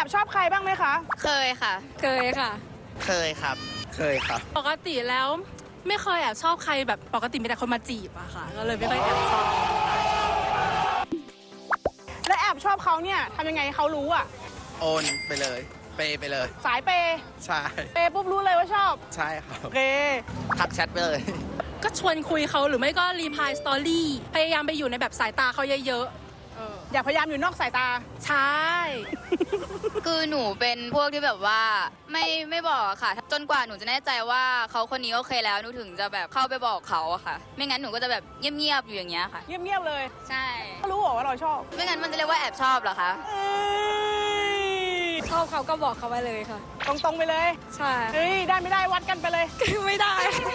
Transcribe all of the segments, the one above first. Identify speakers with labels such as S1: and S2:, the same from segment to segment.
S1: ชอบใครบ้างไหมคะ
S2: เคยค่ะ
S3: เคยค่ะ
S4: เคยครับ เคยครับ
S3: ปกติแล้วไม่เคยแอบชอบใครแบบปกติมีแต่คนมาจีบอะค่ะ ก็เลยไม่ค่อยแอบชอบ
S1: และแอบชอบเขาเนี่ยทำยังไงให้เขารู้อ่ะ
S4: โอนไปเลย เปย์ไปเลย
S1: สายเปย์
S4: ใช่
S1: เปย์ปุ๊บรู้เลยว่าชอบ
S4: ใช่ครับ
S1: โอเค
S4: ทักแชทไปเลย
S3: ก็ชวนคุยเขาหรือไม่ก็รีพลายสตอรี่พยายามไปอยู่ในแบบสายตาเขาเยอะ
S1: อย่าพยายามอยู่นอกสายตา
S3: ๆ ใช่
S2: คือหนูเป็นพวกที่แบบว่าไม่บอกอะค่ะ จนกว่าหนูจะแน่ใจว่าเขาคนนี้โอเคแล้วหนูถึงจะแบบเข้าไปบอกเขาอะค่ะ ไม่งั้นหนูก็จะแบบเงียบๆอยู่อย่างเงี้ยค่ะ
S1: เงียบๆเลย
S2: ใช่
S1: ก็รู้เหรอว่าเราชอบ
S2: ไม่งั้นมันจะเรียกว่าแอบชอบเหรอคะ
S1: เอ้ย
S3: ชอบเขาก็บอกเขาไปเลยค่ะ
S1: ตรงๆไปเลย
S3: ใช่
S1: เฮ้ยได้ไม่ได้วัดกันไปเลย
S3: ไม่ได้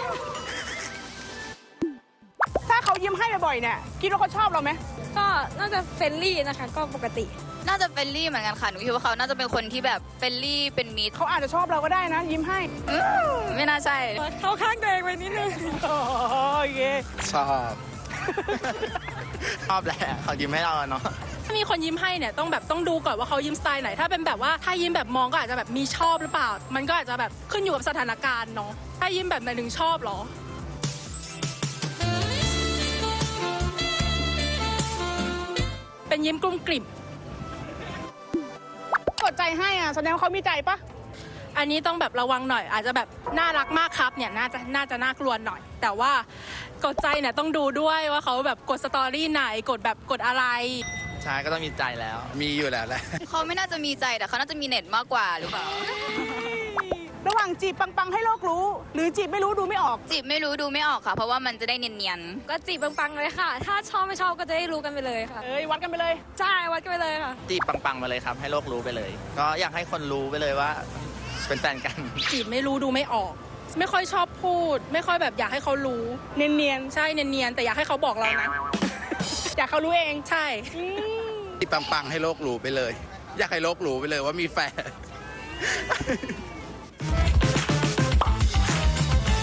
S1: ถ้าเขายิ้มให้บ่อยๆเนี่ยคิดว่าเขาชอบเราไหม
S3: ก็น่าจะเฟรนลี่นะคะ ก็ปกติ
S2: น่าจะเฟรนลี่เหมือนกันค่ะ หนูคิดว่าเขาน่าจะเป็นคนที่แบบเฟรนลี่เป็นมิตร
S1: เขาอาจจะชอบเราก็ได้นะ ยิ้มให้
S2: ไม่น่าใช่
S3: เข้าข้างตัวเองไปนิดนึง
S1: โอเค
S4: ชอบ ชอบแหละเขายิ้มให้เราอะเนาะ
S3: ถ้ามีคนยิ้มให้เนี่ยต้องดูก่อนว่าเขายิ้มสไตล์ไหน ถ้าเป็นแบบว่าถ้ายิ้มแบบมองก็อาจจะแบบมีชอบหรือเปล่า มันก็อาจจะแบบขึ้นอยู่กับสถานการณ์เนาะ ถ้ายิ้มแบบไหนถึงชอบเหรอ เป็นยิ้มกลุ้มกลิ่ม
S1: กดใจให้อ่ะแสดงว่าเขามีใจปะ
S3: อันนี้ต้องแบบระวังหน่อย อาจจะแบบน่ารักมากครับเนี่ยน่าจะน่ากลัวหน่อย แต่ว่ากดใจเนี่ยต้องดูด้วยว่าเขาแบบกดสตอรี่ไหนกดอะไร
S4: ใช่ก็ต้องมีใจแล้ว มีอยู่แล้วแหละ
S2: เขาไม่น่าจะมีใจแต่เขาน่าจะมีเน็ตมากกว่าหรือเปล่า
S1: ระหว่างจีบปังๆให้โลกรู้ หรือจีบไม่รู้ดูไม่ออก
S2: จีบไม่รู้ดูไม่ออกค่ะ เพราะว่ามันจะได้เนียน
S3: ก็จีบปังๆเลยค่ะ ถ้าชอบไม่ชอบก็จะได้รู้กันไปเลยค่ะ
S1: เอ้ยวัดกันไปเลย
S3: ใช่วัดกันไปเลยค่ะ
S4: จีบปังๆมาเลยครับ ให้โลกรู้ไปเลย ก็อยากให้คนรู้ไปเลยว่า เป็นแฟนกัน
S3: จีบไม่รู้ดูไม่ออก ไม่ค่อยชอบพูด ไม่ค่อยแบบอยากให้เขารู้
S1: เนียน
S3: ใช่เนียนๆแต่อยากให้เขาบอกเรานะ
S1: ๆอยากเขารู้เอง
S3: ใช่
S4: จีบปังๆให้โลกรู้ไปเลย อยากให้โลกรู้ไปเลยว่ามีแฟน